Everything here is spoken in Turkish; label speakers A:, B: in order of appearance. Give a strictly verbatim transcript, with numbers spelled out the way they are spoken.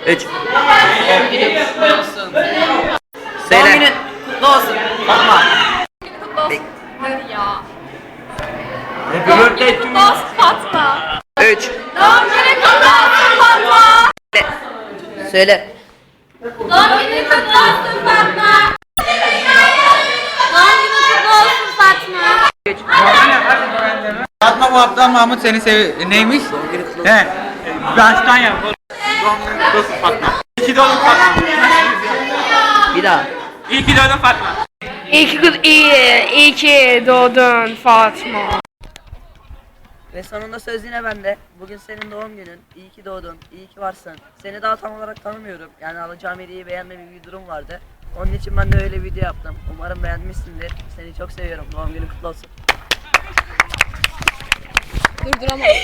A: Üç.
B: Doğum günün kutlu olsun.
A: Söyle.
B: Doğum günün kutlu olsun. Fatma.
C: Kutlu olsun. Hadi ya.
A: Happy
C: Doğum
A: birthday
C: günün
A: to
C: kutlu olsun Fatma.
A: Üç.
C: Doğum günün kutlu olsun Fatma.
A: Söyle.
C: Doğum günün kutlu olsun Fatma. Doğum günün kutlu olsun Fatma.
A: Üç.
D: Fatma bu aptal Mahmut seni sev... Neymiş?
A: Doğum günü kutlu olsun.
D: He. Baştan yap. Doğum günün kutlu olsun Fatma. İyi ki doğdun Fatma.
A: Bir daha.
D: İyi ki doğdun Fatma.
E: İyi ki, iyi, iyi ki doğdun Fatma.
A: Ve sonunda söz yine bende. Bugün senin doğum günün. İyi ki doğdun. İyi ki varsın. Seni daha tam olarak tanımıyorum. Yani alacağım hediyeyi beğenme bir durum vardı. Onun için ben de öyle bir video yaptım. Umarım beğenmişsindir. Seni çok seviyorum. Doğum günün kutlu olsun.
C: Durduramadım.